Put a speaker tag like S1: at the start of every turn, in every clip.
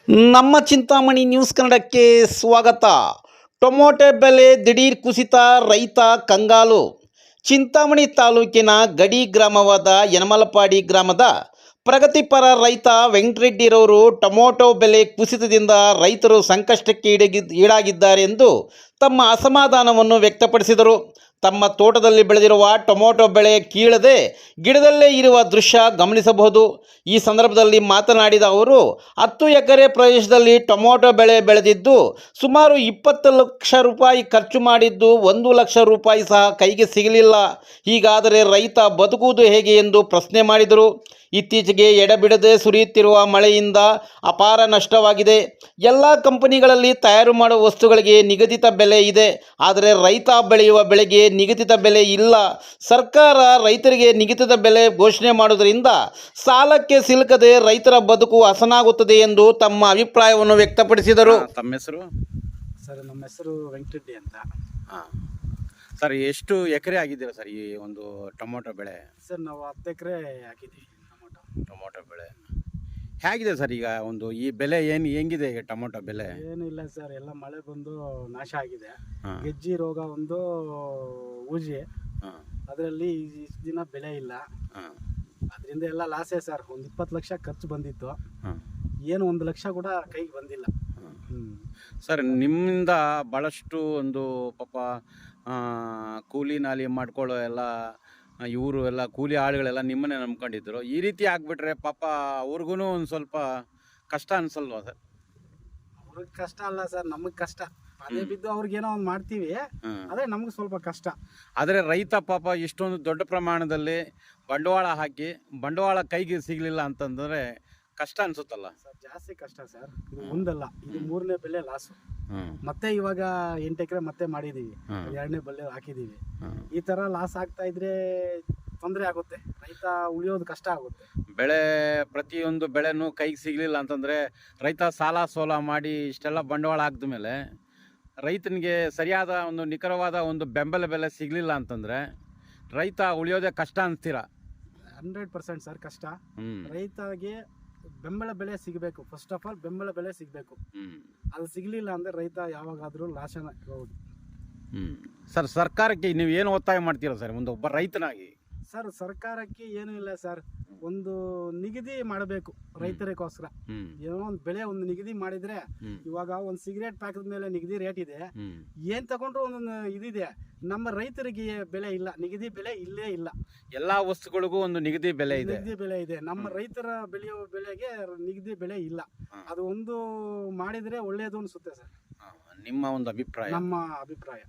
S1: ನಮ್ಮ ಚಿಂತಾಮಣಿ ನ್ಯೂಸ್ ಕನ್ನಡಕ್ಕೆ ಸ್ವಾಗತ. ಟೊಮೊಟೊ ಬೆಲೆ ದಿಢೀರ್ ಕುಸಿತ, ರೈತ ಕಂಗಾಲು. ಚಿಂತಾಮಣಿ ತಾಲೂಕಿನ ಗಡಿ ಗ್ರಾಮವಾದ ಯನಮಲಪಾಡಿ ಗ್ರಾಮದ ಪ್ರಗತಿಪರ ರೈತ ವೆಂಕಟರೆಡ್ಡಿರವರು ಟೊಮೊಟೊ ಬೆಲೆ ಕುಸಿತದಿಂದ ರೈತರು ಸಂಕಷ್ಟಕ್ಕೆ ಈಡಾಗಿದ್ದಾರೆ ಎಂದು ತಮ್ಮ ಅಸಮಾಧಾನವನ್ನು ವ್ಯಕ್ತಪಡಿಸಿದರು. ತಮ್ಮ ತೋಟದಲ್ಲಿ ಬೆಳೆದಿರುವ ಟೊಮೊಟೊ ಬೆಳೆ ಕೀಳದೆ ಗಿಡದಲ್ಲೇ ಇರುವ ದೃಶ್ಯ ಗಮನಿಸಬಹುದು. ಈ ಸಂದರ್ಭದಲ್ಲಿ ಮಾತನಾಡಿದ ಅವರು, 10 ಎಕರೆ ಪ್ರದೇಶದಲ್ಲಿ ಟೊಮೊಟೊ ಬೆಳೆ ಬೆಳೆದಿದ್ದು ಸುಮಾರು 20 ಲಕ್ಷ ರೂಪಾಯಿ ಖರ್ಚು ಮಾಡಿದ್ದು 1 ಲಕ್ಷ ರೂಪಾಯಿ ಸಹ ಕೈಗೆ ಸಿಗಲಿಲ್ಲ. ಹೀಗಾದರೆ ರೈತ ಬದುಕುವುದು ಹೇಗೆ ಎಂದು ಪ್ರಶ್ನೆ ಮಾಡಿದರು. ಇತ್ತೀಚೆಗೆ ಎಡೆಬಿಡದೆ ಸುರಿಯುತ್ತಿರುವ ಮಳೆಯಿಂದ ಅಪಾರ ನಷ್ಟವಾಗಿದೆ. ಎಲ್ಲ ಕಂಪನಿಗಳಲ್ಲಿ ತಯಾರು ಮಾಡುವ ವಸ್ತುಗಳಿಗೆ ನಿಗದಿತ ಬೆಲೆ ಇದೆ, ಆದರೆ ರೈತ ಬೆಳೆಯುವ ಬೆಳೆಗೆ ನಿಗದಿತ ಬೆಲೆ ಇಲ್ಲ. ಸರ್ಕಾರ ರೈತರಿಗೆ ನಿಗದಿತ ಬೆಲೆ ಘೋಷಣೆ ಮಾಡುವುದರಿಂದ ಸಾಲಕ್ಕೆ ಸಿಲುಕದೆ ರೈತರ ಬದುಕು ಹಸನಾಗುತ್ತದೆ ಎಂದು ತಮ್ಮ ಅಭಿಪ್ರಾಯವನ್ನು ವ್ಯಕ್ತಪಡಿಸಿದರು.
S2: ತಮ್ಮ ಹೆಸರು?
S3: ಸರ್, ನಮ್ಮ ಹೆಸರು ವೆಂಕಟರೆಡ್ಡಿ ಅಂತ.
S2: ಹಾಂ ಸರ್, ಎಷ್ಟು ಎಕರೆ ಆಗಿದ್ದೀರಾ ಸರ್ ಈ ಒಂದು ಟೊಮೊಟೊ ಬೆಳೆ?
S3: ಸರ್, ನಾವು 10 ಎಕರೆ ಹಾಕಿದ್ದೀವಿ
S2: ಟೊಮೊಟೊ ಬೆಳೆ ಹೇಗಿದೆ ಸರ್? ಈಗ ಒಂದು ಈ ಬೆಲೆ ಹೆಂಗಿದೆ ಈಗ ಟೊಮೊಟೊ ಬೆಲೆ?
S3: ಏನೂ ಇಲ್ಲ ಸರ್, ಎಲ್ಲ ಮಳೆ ಬಂದು ನಾಶ ಆಗಿದೆ.
S2: ಹಾಂ.
S3: ಗೆಜ್ಜಿ ರೋಗ ಒಂದು ಊಜಿ,
S2: ಹಾಂ
S3: ಅದರಲ್ಲಿ ಇಷ್ಟು ದಿನ ಬೆಲೆ ಇಲ್ಲ.
S2: ಹಾಂ
S3: ಅದರಿಂದ ಎಲ್ಲ ಲಾಸೇ ಸರ್. ಒಂದು 20 ಲಕ್ಷ ಖರ್ಚು ಬಂದಿತ್ತು,
S2: ಹಾಂ
S3: ಏನು 1 ಲಕ್ಷ ಕೂಡ ಕೈಗೆ ಬಂದಿಲ್ಲ.
S2: ಸರ್, ನಿಮ್ಮಿಂದ ಭಾಳಷ್ಟು ಒಂದು ಪಾಪ ಕೂಲಿ ನಾಲಿ ಮಾಡ್ಕೊಳ್ಳೋ ಎಲ್ಲ ಇವರು ಎಲ್ಲ ಕೂಲಿ ಆಳುಗಳೆಲ್ಲ ನಿಮ್ಮನ್ನೇ ನಂಬ್ಕೊಂಡಿದ್ರು. ಈ ರೀತಿ ಆಗಿಬಿಟ್ರೆ ಪಾಪ ಅವ್ರಿಗೂ ಒಂದು ಸ್ವಲ್ಪ ಕಷ್ಟ ಅನ್ಸಲ್ವಾ ಸರ್?
S3: ಅವ್ರಿಗೆ ಕಷ್ಟ ಅಲ್ಲ ಸರ್, ನಮಗೆ ಕಷ್ಟ. ಅದೇ ಬಿದ್ದು ಅವ್ರಿಗೇನೋ ಒಂದು ಮಾಡ್ತೀವಿ, ಅದೇ ನಮ್ಗೆ ಸ್ವಲ್ಪ ಕಷ್ಟ.
S2: ಆದರೆ ರೈತ ಪಾಪ ಇಷ್ಟೊಂದು ದೊಡ್ಡ ಪ್ರಮಾಣದಲ್ಲಿ ಬಂಡವಾಳ ಹಾಕಿ ಬಂಡವಾಳ ಕೈಗೆ ಸಿಗಲಿಲ್ಲ ಅಂತಂದರೆ ಕಷ್ಟ ಅನ್ಸುತ್ತಲ್ಲ
S3: ಸರ್? ಜಾಸ್ತಿ ಕಷ್ಟ ಸರ್. ಇದು ಒಂದಲ್ಲ, ಇದು 3ನೇ ಬೆಲೆ ಲಾಸು. ಮತ್ತೆ ಇವಾಗ 8 ಎಕರೆ ಮತ್ತೆ ಮಾಡಿದೀವಿ, 2ನೇ ಬೆಲೆ ಹಾಕಿದೀವಿ. ಈ ತರ ಲಾಸ್ ಆಗ್ತಾ ಇದ್ರೆ ತೊಂದರೆ ಆಗುತ್ತೆ, ರೈತ ಉಳಿಯೋದು ಕಷ್ಟ ಆಗುತ್ತೆ.
S2: ಬೆಳೆ ಪ್ರತಿಯೊಂದು ಬೆಳೆನೂ ಕೈಗೆ ಸಿಗಲಿಲ್ಲ ಅಂತಂದರೆ ರೈತ ಸಾಲ ಸೋಲ ಮಾಡಿ ಇಷ್ಟೆಲ್ಲ ಬಂಡವಾಳ ಹಾಕಿದ ಮೇಲೆ ರೈತನಿಗೆ ಸರಿಯಾದ ಒಂದು ನಿಖರವಾದ ಒಂದು ಬೆಂಬಲ ಬೆಲೆ ಸಿಗಲಿಲ್ಲ ಅಂತಂದರೆ ರೈತ ಉಳಿಯೋದೇ ಕಷ್ಟ ಅಂತೀರಾ?
S3: 100% ಸರ್ ಕಷ್ಟ. ರೈತಗೆ ಬೆಂಬಲ ಬೆಲೆ ಸಿಗಬೇಕು. ಫಸ್ಟ್ ಆಫ್ ಆಲ್ ಬೆಂಬಲ ಬೆಲೆ ಸಿಗಬೇಕು. ಅದು ಸಿಗಲಿಲ್ಲ ಅಂದರೆ ರೈತ ಯಾವಾಗಾದರೂ ಲಾಸನ ಹೋಗುದು.
S2: ಸರ್, ಸರ್ಕಾರಕ್ಕೆ ನೀವು ಏನು ಒತ್ತಾಯ ಮಾಡ್ತೀರಾ ಸರ್ ಒಂದು ಒಬ್ಬ ರೈತನಾಗಿ?
S3: ಸರ್, ಸರ್ಕಾರಕ್ಕೆ ಏನೂ ಇಲ್ಲ ಸರ್, ಒಂದು ನಿಗದಿ ಮಾಡಬೇಕು ರೈತರಿಗೋಸ್ಕರ. ಏನೋ ಒಂದು ಬೆಳೆ ಒಂದು ನಿಗದಿ ಮಾಡಿದ್ರೆ, ಇವಾಗ ಒಂದು ಸಿಗರೇಟ್ ಪ್ಯಾಕೆಟ್ ಮೇಲೆ ನಿಗದಿ ರೇಟ್ ಇದೆ, ಏನ್ ತಗೊಂಡ್ರು ಒಂದೊಂದು ಇದಿದೆ. ನಮ್ಮ ರೈತರಿಗೆ ಬೆಲೆ ಇಲ್ಲ, ನಿಗದಿ ಬೆಲೆ ಇಲ್ಲೇ ಇಲ್ಲ.
S2: ಎಲ್ಲಾ ವಸ್ತುಗಳಿಗೂ ಒಂದು ನಿಗದಿ ಬೆಲೆ ಇದೆ,
S3: ನಿಗದಿ ಬೆಲೆ ಇದೆ. ನಮ್ಮ ರೈತರ ಬೆಳೆಯುವ ಬೆಳೆಗೆ ನಿಗದಿ ಬೆಲೆ ಇಲ್ಲ. ಅದು ಒಂದು ಮಾಡಿದ್ರೆ ಒಳ್ಳೇದು ಅನ್ಸುತ್ತೆ ಸರ್,
S2: ನಿಮ್ಮ ಒಂದು ಅಭಿಪ್ರಾಯ?
S3: ನಮ್ಮ ಅಭಿಪ್ರಾಯ.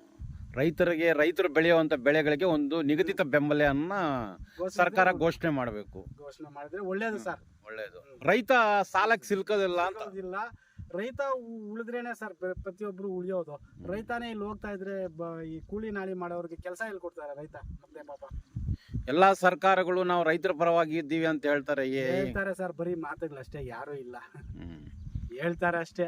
S2: ರೈತರು ಬೆಳೆಯುವಂತ ಬೆಳೆಗಳಿಗೆ ಒಂದು ನಿಗದಿತ ಬೆಂಬಲವನ್ನ ಸರ್ಕಾರ ಘೋಷಣೆ ಮಾಡಬೇಕು.
S3: ಘೋಷಣೆ ಮಾಡಿದ್ರೆ ಒಳ್ಳೇದು ಸರ್,
S2: ಒಳ್ಳೇದು. ರೈತ ಸಾಲಕ್ಕೆ ಸಿಲ್ಕೋದಿಲ್ಲ ಅಂತ
S3: ಇಲ್ಲ, ರೈತ ಉಳಿದ್ರೇನೆ ಸರ್ ಪ್ರತಿಯೊಬ್ರು ಉಳಿಯೋದು. ರೈತಾನೇ ಇಲ್ಲಿ ಹೋಗ್ತಾ ಇದ್ರೆ ಈ ಕೂಲಿ ನಾಳಿ ಮಾಡೋರಿಗೆ ಕೆಲಸ ಎಲ್ಲಿ ಕೊಡ್ತಾರೆ ರೈತ? ಮತ್ತೆ ಪಾಪ
S2: ಎಲ್ಲಾ ಸರ್ಕಾರಗಳು ನಾವು ರೈತರ ಪರವಾಗಿ ಇದ್ದೀವಿ ಅಂತ ಹೇಳ್ತಾರೆ
S3: ಸರ್, ಬರೀ ಮಾತುಗಳಷ್ಟೇ, ಯಾರು ಇಲ್ಲ, ಹೇಳ್ತಾರೆ ಅಷ್ಟೇ.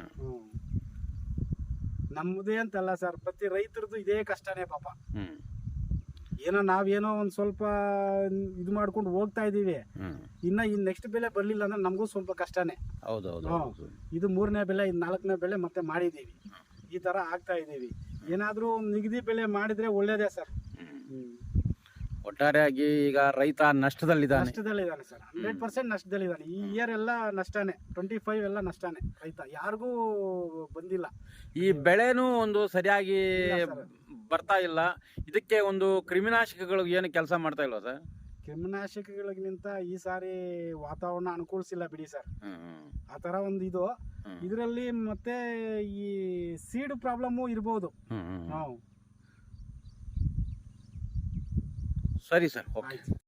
S3: ನಮ್ಮದೇ ಅಂತಲ್ಲ ಸರ್, ಪ್ರತಿ ರೈತರದ್ದು ಇದೇ ಕಷ್ಟನೇ ಪಾಪ. ಏನೋ ನಾವೇನೋ ಒಂದ್ ಸ್ವಲ್ಪ ಇದು ಮಾಡ್ಕೊಂಡು ಹೋಗ್ತಾ ಇದೀವಿ, ಇನ್ನ ನೆಕ್ಸ್ಟ್ ಬೆಲೆ ಬರ್ಲಿಲ್ಲ ಅಂದ್ರೆ ನಮಗೂ ಸ್ವಲ್ಪ ಕಷ್ಟನೇ. ಇದು 3ನೇ ಬೆಲೆ, ಇದು 4ನೇ ಬೆಲೆ ಮತ್ತೆ ಮಾಡಿದೀವಿ. ಈ ತರ ಆಗ್ತಾ ಇದೀವಿ. ಏನಾದ್ರೂ ನಿಗದಿ ಬೆಲೆ ಮಾಡಿದ್ರೆ ಒಳ್ಳೇದೇ ಸರ್.
S2: ಒಟ್ಟಾರೆಯಾಗಿ ಈಗ ರೈತ ನಷ್ಟದಲ್ಲಿದ್ದಾನೆ
S3: ಸರ್, 100% ನಷ್ಟದಲ್ಲಿದ್ದಾನೆ. ಈ ಇಯರ್ ಎಲ್ಲ ನಷ್ಟನೇ, 25 ಎಲ್ಲ ನಷ್ಟನೇ. ರೈತ ಯಾರಿಗೂ ಬಂದಿಲ್ಲ.
S2: ಈ ಬೆಳೆನೂ ಒಂದು ಸರಿಯಾಗಿ ಬರ್ತಾ ಇಲ್ಲ. ಇದಕ್ಕೆ ಒಂದು ಕ್ರಿಮಿನಾಶಕಗಳು ಏನು ಕೆಲಸ ಮಾಡ್ತಾ ಇಲ್ವಾ ಸರ್?
S3: ಕ್ರಿಮಿನಾಶಕಗಳಿಗಿಂತ ಈ ಸಾರಿ ವಾತಾವರಣ ಅನುಕೂಲಿಸಿಲ್ಲ ಬಿಡಿ ಸರ್. ಆ ತರ ಒಂದು ಇದು ಇದರಲ್ಲಿ ಮತ್ತೆ ಈ ಸೀಡ್ ಪ್ರಾಬ್ಲಮ್ಮು ಇರ್ಬೋದು.
S2: ಸರಿ ಸರ್, ಓಕೆ.